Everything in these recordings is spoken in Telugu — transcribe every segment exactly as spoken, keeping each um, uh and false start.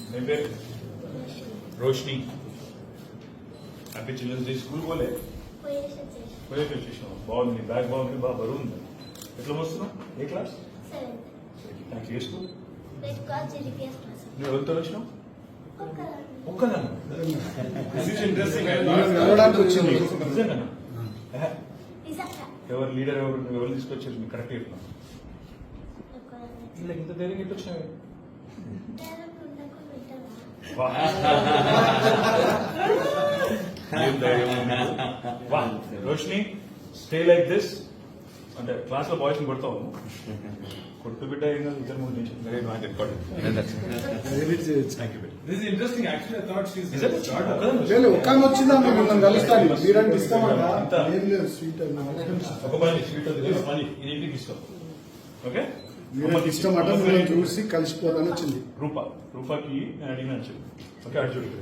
मेरे పేరు Roshini. Happy children's day. School పోలే పోయేసి వచ్చేసినావు. బాగుంది, బ్యాగ్ బాగుంది, బాగా బరువు ఉంది. ఎట్లా వస్తున్నావు? ఏ క్లాస్? నాకు ఏ స్కూల్? నువ్వు ఎవరితో వచ్చినావు? ఒక్కదాన్ని. ఎవరు లీడర్ ఎవరు ఎవరు తీసుకొచ్చారు? మీకు కరెక్ట్ చెప్పినా ఇలా ఇంత ధైర్యం ఎట్లా వచ్చినావు? వా రోషిని, స్టే లైక్ దిస్. అంటే క్లాస్ లో బాయ్స్ ని కొడతావు, కొడుకు బిడ్డ ఏం కాదు, ఇద్దరు మూడు నిమిషం. ఒక పని స్వీట్ మనీ ఇది ఇంటికి తీసుకో. ఓకే, ఇష్టం అంటే చూసి కలిసిపోతాను వచ్చింది. రూపా రూపాకి నేను అడిగినా చెప్పి. ఓకే, అటు చూడు.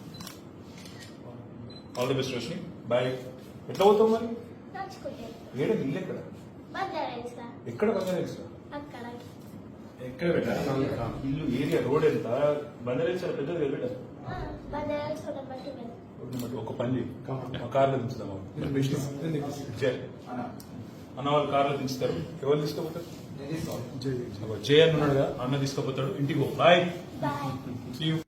All the best Roshini, bye. ఎట్లా పోతావు మరి? ఏడ ఇల్లు ఎక్కడ? ఎక్కడ బంగారేస్? ఎక్కడ పెట్టా ఇల్లు? ఏరియా రోడ్ ఎంత? బంగారేస్ చాలా పెద్దది కదా పెట్టా. ఒక పని మా కార్లో దించుదాం. అన్న వాళ్ళు కార్లో దించుతారు. ఎవరు తీసుకుపోతారు? జయ అన్న ఉన్నాడుగా, అన్న తీసుకుపోతాడు. ఇంటికి పో. బాయ్.